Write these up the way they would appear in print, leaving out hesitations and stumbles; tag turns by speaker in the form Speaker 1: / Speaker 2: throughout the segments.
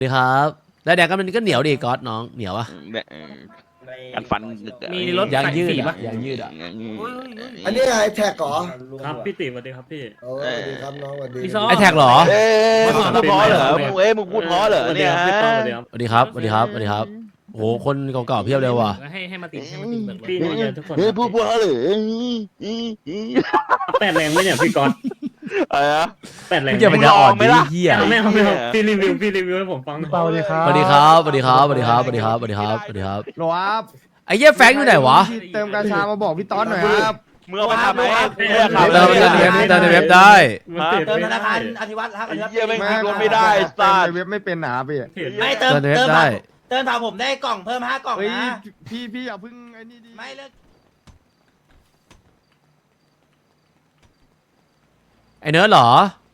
Speaker 1: ดีครับแล้วแดกก็มันก็เหนียวดิก๊อตน้องเหนียวอะ
Speaker 2: กันฟัน
Speaker 3: มีรถ
Speaker 1: ยางยืด
Speaker 3: สี
Speaker 1: อะ
Speaker 3: ปะ
Speaker 1: ยางยืดอะ
Speaker 4: อันนี้ไอแท็กเหรอ
Speaker 3: ครับพี่ติ๋วสวัสดีครับพี่
Speaker 4: โอ้สวัสดีครับน้องสวัสดี
Speaker 3: พี่ซอ
Speaker 1: ไอแท็กเหรอ
Speaker 2: มึงพูดเพราะเหรอมึงมึงพูดเพราะเหรอ
Speaker 3: สวัสดี
Speaker 2: เนี่ย
Speaker 3: ครับพี่ต้อมสวัสดีครับ
Speaker 1: สวัสดีครับสวัสดีครับสวัสดีครับโอ้โหคนเก่าๆเพียบเลยว่ะ
Speaker 3: ให้มาติดเบิกพี่นี่ทุกคน
Speaker 2: เฮ้ยพูดเพราะเหรอ
Speaker 3: แปดแรงไหมเนี่ยพี่กอน
Speaker 2: อะไรนะ
Speaker 3: แปดแรง
Speaker 1: ไม่เกี่ยว
Speaker 3: ไหม
Speaker 1: มันจะอ่อนดิเหี้ย
Speaker 3: ไม่เอาพี่รีวิวให้ผมฟังหน่อย
Speaker 5: สวัสดีครับ
Speaker 1: สวัสดีครับสวัสดีครับสวัสดีครับสวัสดีครับสวัสดีครับสวัสดีครับ
Speaker 5: โหลครับ
Speaker 1: ไอ้เหี้ยแฟงอยู่ไหนวะ
Speaker 5: พี่เติมกาชามาบอกพี่ต๊อดหน่อยครับ
Speaker 2: มึงเอาไปทำไหม
Speaker 1: เติมในเว็บได้
Speaker 6: เติมธนาคารอธิวัตรครับอธิวัตร
Speaker 2: เยี่ยไม่กินรถไม่ได้สั
Speaker 5: เติ
Speaker 2: ต
Speaker 5: ม
Speaker 2: ว์
Speaker 5: ในเว็บไม่เป็นหนาพี่
Speaker 6: ไม่เติม
Speaker 1: เติมในเว็บ
Speaker 6: เติม
Speaker 1: ได้
Speaker 6: เติมถามผมได้กล่องเพิ่ม5 กล่อง
Speaker 5: เฮ้ย
Speaker 6: นะ
Speaker 5: พี่อย่าเพึ่งไอ้นี่ดิ
Speaker 6: ไม่เลิก
Speaker 1: ไอ้เนิร์ดเหรอ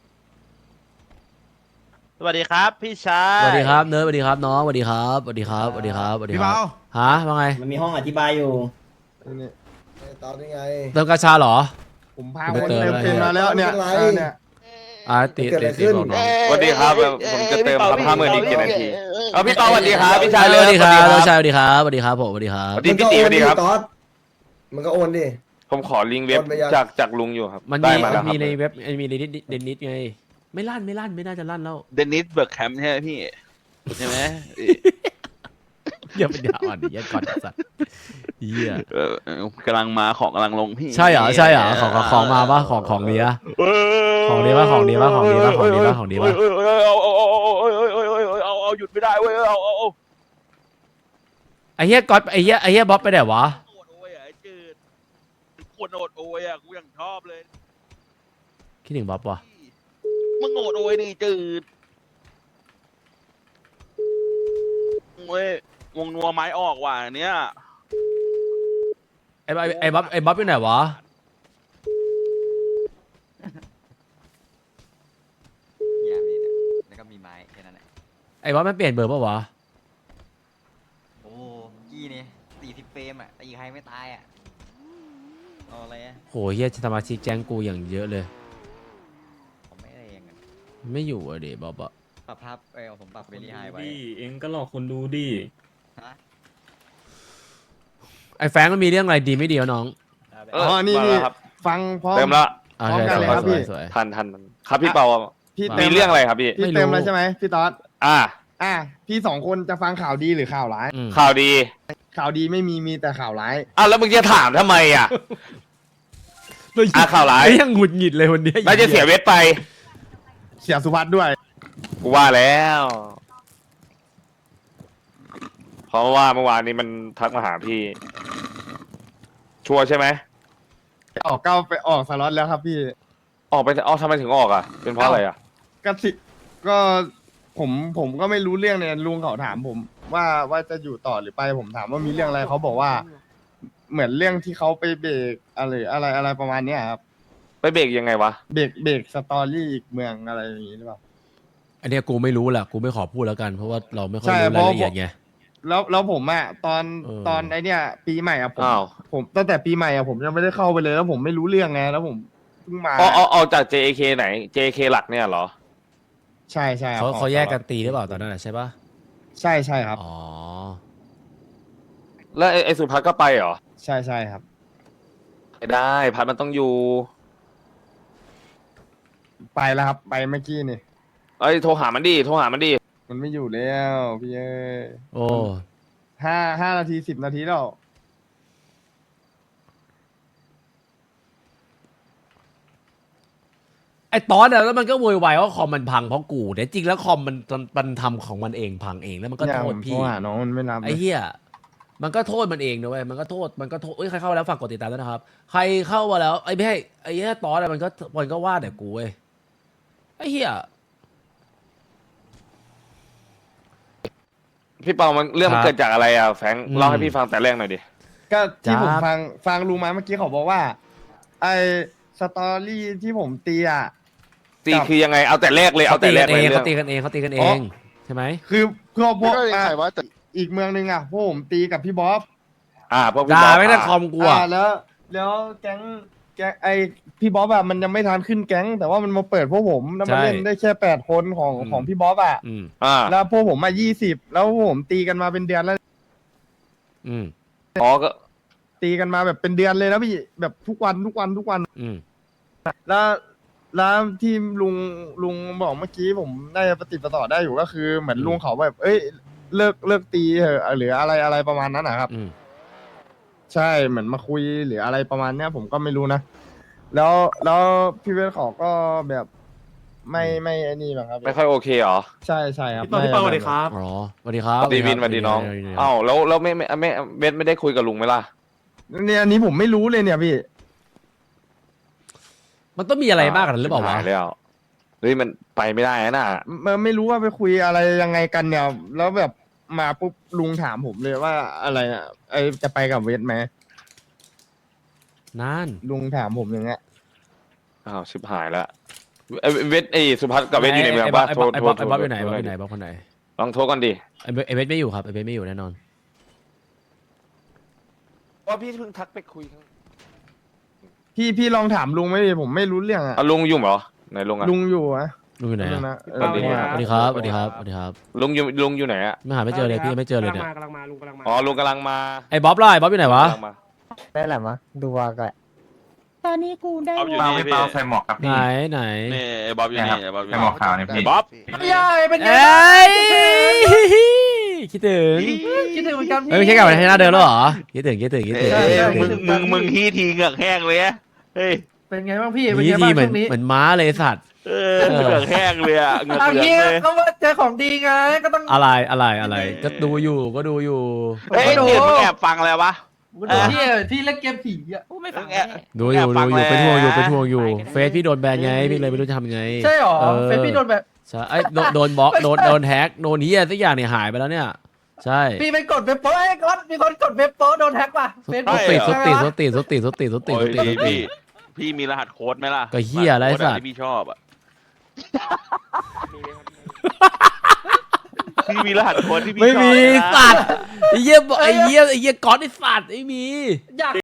Speaker 2: สวัสดีครับพี่ชาย
Speaker 1: สวัสดีครับเนิร์ดสวัสดีครับน้องสวัสดีครับสวัสดีครับสวัสดีครับสวัสดี
Speaker 5: พี่
Speaker 1: ครั
Speaker 5: เบา
Speaker 1: บฮะว่าไง
Speaker 6: มันมีห้องอธิบายอยู่
Speaker 5: นี่
Speaker 4: ตอนนี้ไง
Speaker 1: เติมกาชาเหรอ
Speaker 5: ผมพา
Speaker 1: ไม่
Speaker 5: คน
Speaker 1: เติม
Speaker 5: เติมเป็นมาแล้วเนี่ย
Speaker 4: ไม่เป็นไร
Speaker 5: เนี่ย
Speaker 1: ติด
Speaker 4: เกิดอะไร
Speaker 1: ติด
Speaker 4: ขึ้น
Speaker 1: บอกน้อง
Speaker 2: สวัสดีครับผมจะเติมครับ50,000อีก7 นาทีเอาพี่ต่อสวัสดีครับพี่ชาย
Speaker 1: สวัสดีครับน้องชายสวัสดีครับสวัสดีครับผมสวัสดีครับ
Speaker 2: สวัสดีพี่ติ๋วสวัสดีครับ
Speaker 4: ตอดมันก็โอนดิ
Speaker 2: ผมขอลิงก์เว็บ
Speaker 4: โอนไปยัง
Speaker 2: จากลุงอยู่ครับ
Speaker 1: มัน
Speaker 2: ได้
Speaker 1: มี
Speaker 2: มาแล้วครับ
Speaker 1: มีในเว็บมีในเดนนิสไงไม่ลั่นไม่น่าจะลั่นแล้ว
Speaker 2: เดนิสเบิร์กแคมป์ใช่ไหมพี่ใช่ไหม
Speaker 1: อย่าเป็นยาอ่อนดิยันก่อนไอ้สัตว์เหี้ย
Speaker 2: กำลังมาของกำลังลงพี่
Speaker 1: ใช่เหรอของมาปะของดีปะของดีปะของดีปะของดีปะ
Speaker 2: เอาหยุดไม่ได้เว้ยเอา
Speaker 1: ไอ้เหี้ยก๊อตไอ้เหี้ยบ๊อบไปไหนวะ
Speaker 2: โอดโอยอ่ะไอ้จืดคนโอดโอยอ่ะกูยังชอบเลย
Speaker 1: คิดถึงบ๊อบวะ
Speaker 2: มึงโอดโอยนี่จืดเว้ยวงนัวไม้ออกว่ะเนี้ย
Speaker 1: ไอ้บ๊อบอยู่ไหนวะ
Speaker 7: เนี่ยมีเนี่ยแล้วก็มีไม้แค่นั้นแหละ
Speaker 1: ไอ้บ๊อบมันเปลี่ยนเบอร์ปะวะ
Speaker 7: โอ้กี้นี่40 เฟรมอ่ะตีใครไม่ตายอ่ะเอาอะไรอ่ะ
Speaker 1: โหเหี้ยสมาชิกแจ้งกูอย่างเยอะเลย
Speaker 7: ผมไม่ได้เองอะ
Speaker 1: ไม่อยู่อะดิบ๊อบอะ
Speaker 7: ปรับภาพผมปรับเวลี่ไฮไว้
Speaker 3: ดิเองก็หลอกคนดูดิ
Speaker 7: ฮะ
Speaker 1: ไอ้แฟงมันมีเรื่องอะไรดีไม่ดีวะน้อง
Speaker 5: อ๋อนี่
Speaker 2: มา
Speaker 5: นี่
Speaker 2: แล้วครับ
Speaker 5: ฟังพร้อม
Speaker 2: เติมแล้ว
Speaker 1: โอเค
Speaker 5: พร้อมกันเลยครับ
Speaker 1: ส
Speaker 5: พี่
Speaker 1: วยสวย
Speaker 2: ทันครับพี่เปา
Speaker 5: พี่
Speaker 2: มี
Speaker 5: เติม
Speaker 2: เรื่องอะไรครับพี่
Speaker 5: พี่เติมแล้วใช่ไหมพี่ต๊อด
Speaker 2: อ่า
Speaker 5: พี่2 คนจะฟังข่าวดีหรือข่าวร้าย
Speaker 1: อืม
Speaker 2: ข่าวดี
Speaker 5: ข่าวดีไม่มีแต่ข่าวร้าย
Speaker 2: อ้าวแล้วมึงจะถามทำไมอ่ะ ข่าวร้าย
Speaker 1: ไอ้ยังหงุดหงิดเลยวันเนี้ย
Speaker 2: น่าจะเสียเวทไป
Speaker 5: เสียสุภัทรด้วย
Speaker 2: กูว่าแล้ว เพราะว่าเมื่อวานนี้มันทักมาหาพี่ ชัวร์ใช่ไหม
Speaker 5: ออกไปออกสล็อตแล้วครับพี่
Speaker 2: ออกไปทำไมถึงออกอ่ะ เป็นเพราะอะไรอ่ะ
Speaker 5: ก็ผมก็ไม่รู้เรื่องเนี่ยลุงเขาถามผมว่าจะอยู่ต่อหรือไปผมถามว่ามีเรื่องอะไรเขาบอกว่า เหมือนเรื่องที่เขาไปเบรกอะไรประมาณเนี้ยครับ
Speaker 2: ไปเบรกยังไงวะ
Speaker 5: เบรกสตอรี่อีกเมืองอะไรอย่างนี้หรือเปล่า
Speaker 1: อันเนี้ยกูไม่รู้แหละกูไม่ขอพูดแล้วกันเพราะว่าเราไม่ค่อย
Speaker 5: ใช่
Speaker 1: รู้รายละเอียด
Speaker 5: เพราะ
Speaker 1: ไง
Speaker 5: แล้วผมอะตอน
Speaker 1: เออ
Speaker 5: ตอนไอเนี้ยปีใหม่อะผม
Speaker 2: อ้าว
Speaker 5: ผมตั้งแต่ปีใหม่อะผมยังไม่ได้เข้าไปเลย แล้วผมไม่รู้เรื่องไงแล้วผมเพิ่งมา
Speaker 2: ออกจาก JK ไหน JK หลักเนี่ยเหรอ
Speaker 5: ใช่ครับ
Speaker 1: เขาแยกกันตีหรือเปล่าตอนนั้นอะใช่ปะ
Speaker 5: ใช่ครับ
Speaker 1: อ๋อ
Speaker 2: แล้วไอ้สุภัทรก็ไปเหรอ
Speaker 5: ใช่ครับ
Speaker 2: ไม่ได้ พัดมันต้องอยู่
Speaker 5: ไปแล้วครับไปเมื่อกี้นี่
Speaker 2: เอ้ยโทรหามันดิ
Speaker 5: มันไม่อยู่แล้วพี่เอ้ย
Speaker 1: โอ้
Speaker 5: ห้านาที10 นาทีแล้ว
Speaker 1: ไอ้ตอนอะแล้วมันก็โวยวายว่าคอมมันพังเพราะกูแต่จริงแล้วคอมมันทำของมันเองพังเองแล้วมันก็
Speaker 5: เนี่ย
Speaker 1: โท
Speaker 5: ผ
Speaker 1: ษ
Speaker 5: มโทร
Speaker 1: พี่
Speaker 5: หาน้องมันไม่รับ
Speaker 1: ไอ้เหี้ยมันก็โทษมันเองนะเว้ยมันก็โทษเอ้ยใครเข้ามาแล้วฝากกดติดตามด้วยนะครับใครเข้ามาแล้วไอ้ไม่ให้ไอ้เหี้ยตอนอะมันก็ว่าแต่กูเว้ยไอ้เหี้ย
Speaker 2: พี่เปามันเรื่องมัน
Speaker 1: ครับ
Speaker 2: เกิดจากอะไรอ่ะแฟรงค์
Speaker 1: อืม
Speaker 2: เล่าให้พี่ฟังแต่แรกหน่อยดิ
Speaker 5: ก็ที่
Speaker 1: จ๊าบ
Speaker 5: ผมฟังลุงมาเมื่อกี้เขาบอกว่า ไอสตอรี่ที่ผมตีอะ
Speaker 2: ตีคือยังไง เอาแต่แรกเลย เอาแต่แรกเลย
Speaker 1: เขา
Speaker 2: เรื่อง
Speaker 1: ตีกันเองใช่ไหม
Speaker 5: คือเพื่อพวก
Speaker 8: ก็ยังไงวะแต่
Speaker 5: อีกเมืองหนึงอะพวกผมตีกับพี่บ๊อบ
Speaker 2: พวกพี่
Speaker 1: ด่า
Speaker 2: บอส
Speaker 1: ไม่ได้คอมกูอะ
Speaker 5: แล้วแก๊งแก๊งไอพี่บ๊อบอะมันยังไม่ทันขึ้นแก๊ง แต่ว่ามันมาเปิดพวกผมแล้วมันเล่นได้แค่8 คนของพี่บ๊อบอะ
Speaker 1: อืม
Speaker 5: แล้วพวกผมมา20แล้วพวกผมตีกันมาเป็นเดือนแล้ว
Speaker 1: อืม
Speaker 2: อ๋อก็
Speaker 5: ตีกันมาแบบเป็นเดือนเลยนะพี่แบบทุกวัน
Speaker 1: อืม
Speaker 5: แล้วที่ลุงบอกเมื่อกี้ผมน่าจะปฏิดประต่อได้อยู่ก็คือเหมือนลุงเขาแบบเอ้ยเลิกตีเถอะหรืออะไรประมาณนั้นนะครับ
Speaker 1: อืม
Speaker 5: ใช่เหมือนมาคุยหรืออะไรประมาณเนี้ยผมก็ไม่รู้นะ แล้วพี่เวทเขาก็แบบไม่ไอ้นี่หรอกครับ
Speaker 2: ไม่ค่อยโอเคเหรอ
Speaker 5: ใช่ครับ
Speaker 8: พี่ปอสวัสดีครับ
Speaker 1: อ๋อสวัสดีครับ
Speaker 2: สวัสดีวินสวัสดีน้องอ้าวแล้วไม่เบสไม่ได้คุยกับลุงไหมล่ะ
Speaker 5: เนี่ยอันนี้ผมไม่รู้เลยเนี่ยพี่
Speaker 1: มันต้องมีอะไรมากกว่านั้นหรือเปล่าวะ
Speaker 2: ชิบหยแล้วเฮ้ยมันไปไม่ได้นะ
Speaker 5: ไม่รู้ว่าไปคุยอะไรยังไงกันเนี่ยแล้วแบบมาปุ๊บลุงถามผมเลยว่าอะไรอ่ะไอจะไปกับเวทไหม
Speaker 1: นั่น
Speaker 5: ลุงถามผมอย่างเงี้ย
Speaker 2: อ้าวชิบหายแล้วเวทสุพัฒน์กับเวทอยู่ในเมืองป่ะ
Speaker 1: ไอ้
Speaker 2: โทษ
Speaker 1: บ๊อบอยู่ไหนบ๊อบอยู่ไหนบ๊อบคนไหน
Speaker 2: ลองโทรกันดิ
Speaker 1: ไอ้เบสไม่อยู่ครับไอ้เบสไม่อยู่แน่นอน
Speaker 2: ว่าพี่เพิ่งทักไปคุย
Speaker 5: พี่ลองถามลุงไหมดิผมไม่รู้เรื่องอ่ะ
Speaker 2: ลุงอยู่เหรอไหนลุงอะ
Speaker 5: ลุงอยู่อะ
Speaker 1: ลุงอยู่ไหน
Speaker 5: ลุง
Speaker 1: อะ
Speaker 5: นะ
Speaker 2: สวัสดี
Speaker 1: สวัสดีครับสวัสดีครับสวัสดีครับ
Speaker 2: ลุงอยู่ไหนอะ
Speaker 1: ไม่หาไม่เจอเลยพี่ยังไม่เจอเลยเนี่ย
Speaker 8: กำลังมาลุงกำลังมา
Speaker 2: อ๋อลุงกำลังมา
Speaker 1: ไอ้บ๊อบล่ะไอ้บ๊อบอยู่ไหนวะ
Speaker 2: กำลังมา
Speaker 9: ได้แหละมะดูว่าก็
Speaker 10: ตอนนี้กูได้
Speaker 11: บ๊อบอยู่นี่พี่
Speaker 9: ใส่หมวกครับ
Speaker 1: ไหนไหน
Speaker 11: นี่ไอ้บ๊อบอยู่นี่ไอ้บ๊อบอยู่
Speaker 9: ใส่
Speaker 11: นี่
Speaker 9: หมวกขาวเนี่ยพี่
Speaker 11: บ๊อบ
Speaker 8: ใหญ่เป็นไง
Speaker 1: เอ้ยคิดถึง
Speaker 8: คิดถึงเหมือนกัน
Speaker 1: ไม่ใช่กลับมาที่หน้าเดิมแล้วเหรอคิดถึง
Speaker 11: มึงทีเหงือกแห้งเลยอะเฮ้ย
Speaker 8: เป็นไงบ้างพี่เป็น
Speaker 1: นี่
Speaker 8: ไง
Speaker 1: ที
Speaker 8: บ้าง
Speaker 1: เหมือน
Speaker 8: ช่วงนี้
Speaker 1: เหมือนม้าเลยสัตว์
Speaker 11: เหงือกแห้งเลยอะเหงือก
Speaker 8: เอา
Speaker 11: เหลื
Speaker 8: เฮี
Speaker 11: อย งเลย
Speaker 8: ก็ว่าเจอของดีไงก็ต้อง
Speaker 1: อะไรก็ดูอยู่ก็ดูอยู่
Speaker 11: เฮ้ยเดี๋ยวมึงแอบฟังอะไรวะ
Speaker 8: ที่เล่นเกมผีอ่ะ
Speaker 10: ไม่ฟัง
Speaker 1: ดูอยู่เป็นห่วงอยู่เฟซพี่โดนแบนไงพี่เลยไม่รู้จะทำไง
Speaker 8: ใช่หรอเฟซพี่โดนแบบ
Speaker 1: ใช่ไอ้โดนบล็อกโดนแฮกโดนเฮียสักอย่างเนี่ยหายไปแล้วเนี่ยใช่
Speaker 8: พี่ไปกดเว็บโป๊ไอ้ก๊อตมีคนกดเว็บโป๊โดนแฮ็กป่ะเฟซ
Speaker 1: ส
Speaker 8: บุ๊ก
Speaker 1: ติ
Speaker 11: โอ้ยพี่มีรหัสโค้ดไหมล่ะ
Speaker 1: ก็เหี้ยอะไรสัตว์
Speaker 11: ที่พี่ชอบอะพี่มีรหัสโค้ดที่พี่ชอบ
Speaker 1: ไม่มี
Speaker 11: นะ
Speaker 1: สัตว์ไอ้เหี้ยก๊อตไอ้สัตว์ไม่มี
Speaker 8: อยาก